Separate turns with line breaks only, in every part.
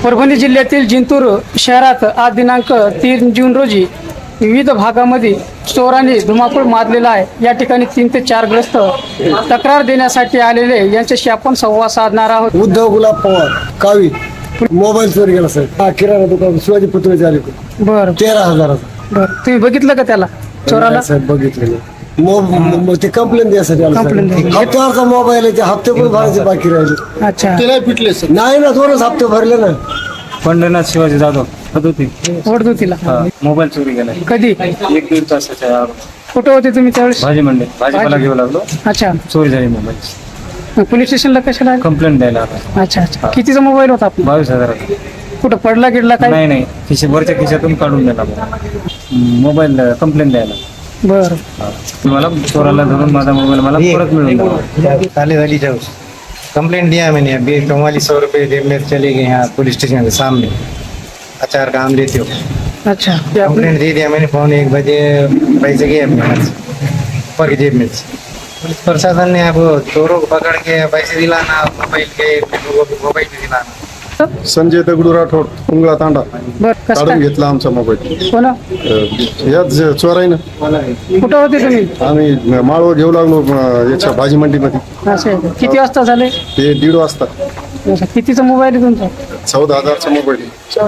परभणी जिल्ह्यातील जिंतूर शहरात आज दिनांक 3 जून रोजी विविध भागामध्ये चोरांनी धुमाकूळ माजलेला आहे। या ठिकाणी 3 ते 4 ग्रस्त तक्रार देण्यासाठी आलेले यांच्याशी आपण संवाद साधणार आहोत।
उद्धव गुलाब पवार कावी मोबाईल चोरी गेला साहेब। किराणा दुकान शिवाजी पुतळे आले
बरं
13,000।
बरं, तुम्ही बघितलं का त्याला चोराला?
साहेब बघितले ते कंप्लेंट द्यासाठी
Complaint द्यायसाठी.
हप्त्यावरचा मोबाईल आहे, ते हप्ते पण भरायचे बाकी राहिले।
अच्छा,
ते नाही पिटले नाही ना, 2च हप्ते भरले ना।
पंढरनाथ शिवाजी जाधव होती
ओढतो तिला
मोबाईल चोरी गेला
कधी?
1-1.5 तासाच्या
कुठं होते तुम्ही त्यावेळेस?
भाजी मंडई भाजीपाला घेऊ लागलो,
अच्छा,
चोरी झाली मोबाईल।
पोलीस स्टेशनला कशाला आले?
कंप्लेंट द्यायला आला।
अच्छा अच्छा, कितीचा मोबाईल होता आपला?
22,000।
कुठं पडला गिडला काय?
नाही वरच्या खिशातून काढून दिला मोबाईल कंप्लेंट द्यायला।
बरं,
मला चोराला धरून माझा मोबाईल मला परत मिळून द्यावा।
ताले वाली जाओ कंप्लेंट दिया मैंने। अभी 4400 रुपये जेब में चले गए यहाँ पुलिस स्टेशन के सामने। अचार काम लेते हो
अच्छा, ते आपण-
कंप्लेंट दे दिया मैंने। फोन 1 बजे पैसे गए अपने हाथ से ऊपर की जेब में से। पुलिस प्रशासन ने अब चोरों को पकड़ के पैसे दिलाना, मोबाइल के लोगों को मोबाइल भी दिलाना।
संजय दगडू राठोड उंगळा तांडा
बरं, कसं
काढून
काय?
घेतला आमचा मोबाईल
कोण?
याच चोराईनं।
कुठं होते तुम्ही?
आम्ही माळव घेऊ लागलो याच्या भाजी मंडीमध्ये।
असं आहे का? किती वाजता झाले?
ते 1:30 वाजता।
अच्छा, कितीचा मोबाईल आहे तुमचा?
14,000चा मोबाईल।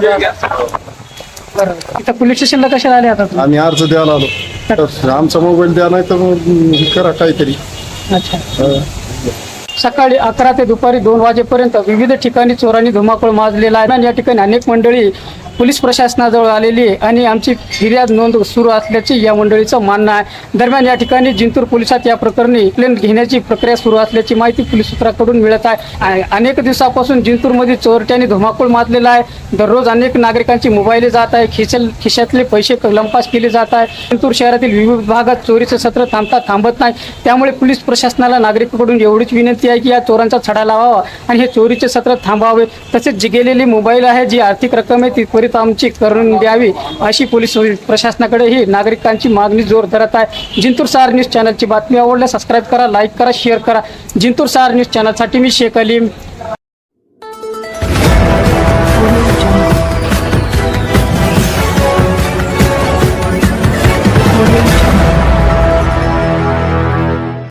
बरं, इथं पोलीस स्टेशनला कशाला आले आता तुम्ही?
आम्ही अर्ज द्यायला आलो, तर आमचा मोबाईल द्या, नाही तर मग करा काहीतरी।
अच्छा, सकाळी 11 ते दुपारी 2 वाजेपर्यंत विविध ठिकाणी चोरांनी धुमाकूळ माजलेला आहे आणि या ठिकाणी अनेक मंडळी पोलीस प्रशासनाजवळ आलेली आहे आणि आमची फिर्याद नोंद सुरू असल्याचे या मंडळीचं म्हणणं आहे। दरम्यान या ठिकाणी जिंतूर पोलिसात या प्रकरणी कंप्लेंट घेण्याची प्रक्रिया सुरू असल्याची माहिती पोलीस सूत्राकडून मिळत आहे। अनेक दिवसापासून जिंतूरमध्ये चोरट्यांनी धुमाकूळ माजलेला आहे। दररोज अनेक नागरिकांची मोबाईल जात आहे, खिशातले पैसे लंपास केले जात आहे। जिंतूर शहरातील विविध भागात चोरीचं सत्र थांबत नाही। त्यामुळे पोलीस प्रशासनाला नागरिकांकडून एवढीच विनंती आहे की या चोरांचा छडा लावावा आणि हे चोरीचे सत्र थांबावे। तसेच जी गेलेली मोबाईल आहे, जी आर्थिक रक्कम आहे, ती त्वरित आमची करून द्यावी अशी पोलीस प्रशासनाकडे ही नागरिकांची मागणी जोर धरत आहे। जिंतूर स्टार न्यूज चॅनलची बातमी आवडल्यास सबस्क्राईब करा, लाईक करा, शेअर करा। जिंतूर स्टार न्यूज चॅनलसाठी मी शेख अलीम,